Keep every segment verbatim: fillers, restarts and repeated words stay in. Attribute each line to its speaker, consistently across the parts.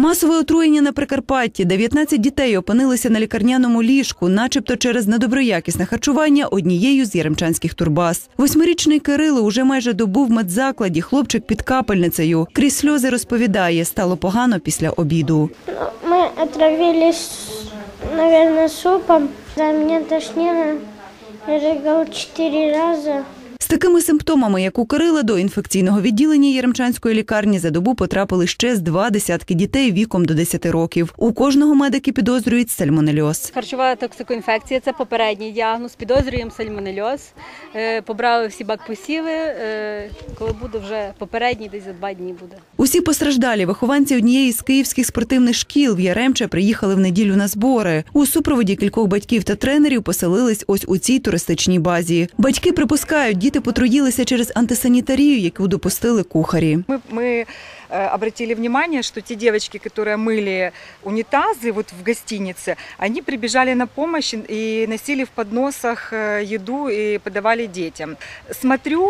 Speaker 1: Масове отруєння на Прикарпатті. дев'ятнадцять дітей опинилися на лікарняному ліжку, начебто через недоброякісне харчування однією з яремчанських турбаз. Восьмирічний Кирило уже майже добу в медзакладі, хлопчик під капельницею. Крізь сльози розповідає, стало погано після обіду.
Speaker 2: Ми отравились, мабуть, супом. Мене тошнило, я ригав чотири рази.
Speaker 1: З такими симптомами, як у Кирила, до інфекційного відділення Яремчанської лікарні за добу потрапили ще з два десятки дітей віком до десяти років. У кожного медики підозрюють сальмонельоз.
Speaker 3: Харчова токсикоінфекція – це попередній діагноз. Підозрюємо сальмонельоз. Побрали всі бакпосіви. Коли буде вже попередній, десь за два дні буде.
Speaker 1: Усі постраждалі вихованці однієї з київських спортивних шкіл в Яремче приїхали в неділю на збори. У супроводі кількох батьків та тренерів поселились ось у цій туристичній базі. Батьки припускають, діти потруїлися через антисанітарію, яку допустили кухарі.
Speaker 4: Ми, ми обратили внимание, что те девочки, которые мыли унитазы вот в гостинице, они прибежали на помощь и носили в подносах еду и подавали детям. Смотрю,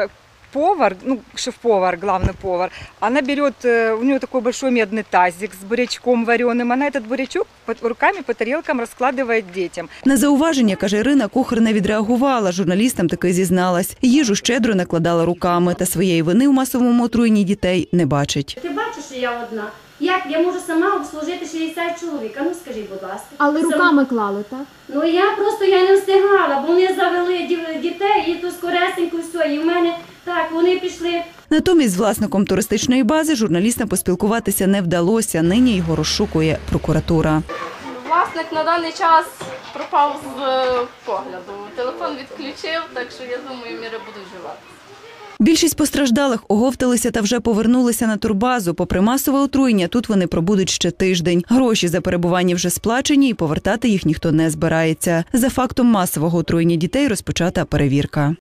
Speaker 4: повар, ну, шеф-повар, главный повар, она берет, у нее такой большой медный тазик с бурячком вареным, она этот бурячок руками по тарелкам розкладає дітям.
Speaker 1: На зауваження, каже Ірина, кухар не відреагувала, журналістам таки зізналась. Їжу щедро накладала руками та своєї вини в масовому отруєнні дітей не бачить.
Speaker 5: Ти бачиш, що я одна? Як я можу сама обслужити шістдесят чоловік? А ну скажіть, будь ласка.
Speaker 6: Але
Speaker 5: Сам...
Speaker 6: руками клали, так?
Speaker 5: Ну я просто я не встигала, бо вони завели дітей і то скоресенько все, і в мене так, вони пішли.
Speaker 1: Натомість з власником туристичної бази журналістам поспілкуватися не вдалося. Нині його розшукує прокуратура.
Speaker 7: Власник на даний час пропав з погляду. Телефон відключив, так що я думаю, міри будуть вживати.
Speaker 1: Більшість постраждалих оговталися та вже повернулися на турбазу. Попри масове отруєння, тут вони пробудуть ще тиждень. Гроші за перебування вже сплачені і повертати їх ніхто не збирається. За фактом масового отруєння дітей розпочата перевірка.